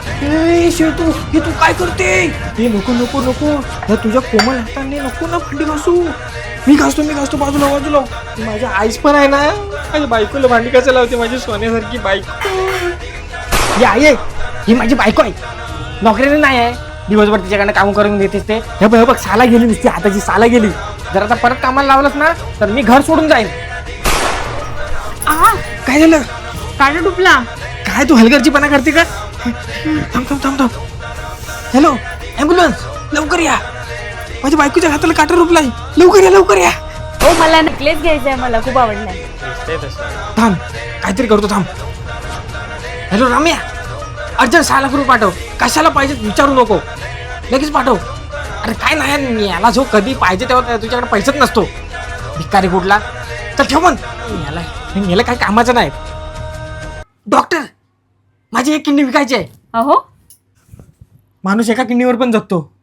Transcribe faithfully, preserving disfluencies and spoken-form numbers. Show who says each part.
Speaker 1: ए शेतू हे तू काय करते? हे नको नको नको या तुझ्या कोमल हाताने नको ना भांडी घासू. मी घासतो मी घासतो बाजूला बाजूला. माझ्या आईस पण आहे ना, माझ्या बायकोला भांडी कसं लावते माझी सोन्यासारखी बायको. या ये ही माझी बायको आहे, नोकरीने नाही आहे. दिवसभर तिच्याकडनं काम करून देतेस ते. हे बघ हे बघ साला गेली नुसती हाताची साला गेली. जर आता परत कामाला लावलंस ना तर मी घर सोडून जाईन.
Speaker 2: आ
Speaker 1: काय झालं?
Speaker 2: काटा टुपला.
Speaker 1: काय तू हलगर्जीपणा करते का? थांब थांब थांब थांब. हॅलो ॲम्ब्युलन्स लवकर या, माझ्या बायकोच्या हाताला काटा रुपलाय. लवकर या लवकर या.
Speaker 2: हो मला नेकलेस घ्यायचा आहे, मला खूप आवडलाय.
Speaker 1: थांब काहीतरी करतो थांब. हॅलो राम्या अर्जंट सहा लाख रुपये पाठव. कशाला पाहिजे विचारू नको, लगेच पाठव. अरे काय नाही याला जो कधी पाहिजे तेव्हा तुझ्याकडे पैसेच नसतो. भिकारी कुठला. तर ठेव पण याला याला काय कामाचं नाही. डॉक्टर माझी एक किडनी विकायची आहे.
Speaker 2: अहो
Speaker 1: माणूस एका किडनीवर पण जगतो.